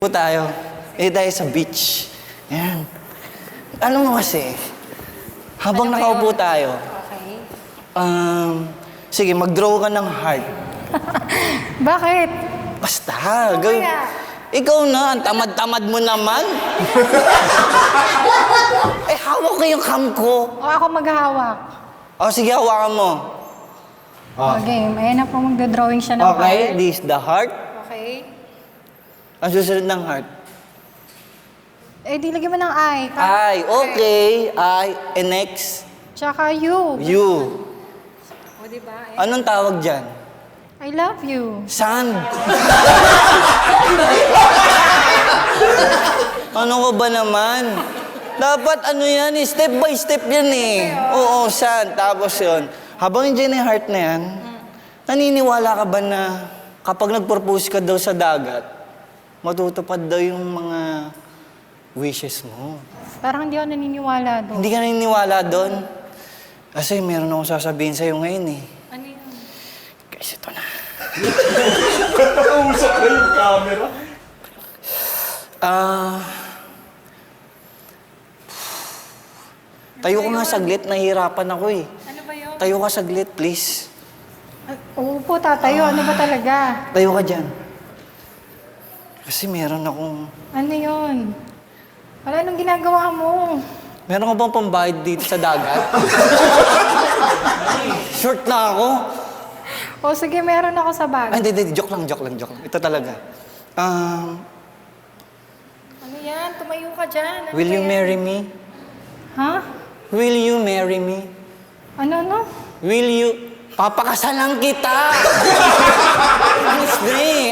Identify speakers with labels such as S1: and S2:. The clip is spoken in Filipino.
S1: Po tayo. Tayo sa beach. Yan. Ano mo kasi, habang nakaupo tayo,
S2: Okay.
S1: sige, mag-draw ka ng heart.
S2: Bakit?
S1: Basta,
S2: kaya?
S1: Ikaw na, ang tamad-tamad mo naman. Hawak ko yung cam ko.
S2: O ako maghahawak.
S1: Sige, hawakan mo.
S2: Okay, ayan na po magdodrawing siya ng
S1: Okay,
S2: heart.
S1: this is the heart.
S2: Okay.
S1: Ang susunod ng heart.
S2: Di lagyan mo ng I.
S1: I, okay. I, and next,
S2: Tsaka you.
S1: you.
S2: O, diba?
S1: Anong tawag dyan?
S2: I love you.
S1: Sand. Ano ka ba naman? Dapat ano yan, step by step yan eh. Oo, sand. Tapos yun. Habang nandiyan yung heart na yan, naniniwala ka ba na kapag nag-propose ka daw sa dagat, matutupad daw yung mga wishes mo?
S2: Parang hindi ako naniniwala doon.
S1: Hindi ka naniniwala doon? Kasi meron akong sasabihin sa'yo ngayon eh.
S2: Ano yun?
S1: Guys, ito na.
S3: Usap na yung camera.
S1: Tayo ka nga saglit, nahihirapan ako eh.
S2: Ano ba yun?
S1: Tayo ka saglit, please.
S2: Oo po, tatayo. Ano ba talaga?
S1: Tayo ka dyan. Kasi meron akong...
S2: Ano yun? Wala, anong ginagawa mo?
S1: Meron ka bang pambayad dito sa dagat? Short na ako.
S2: O sige, meron ako sa bag.
S1: Hindi. Joke lang. Ito talaga.
S2: Ano yan? Tumayo ka dyan. Ano
S1: Will
S2: ba
S1: you
S2: yan?
S1: marry me?
S2: Ha?
S1: Will you marry me?
S2: Ano?
S1: Will you... Papakasalan kita! Honestly!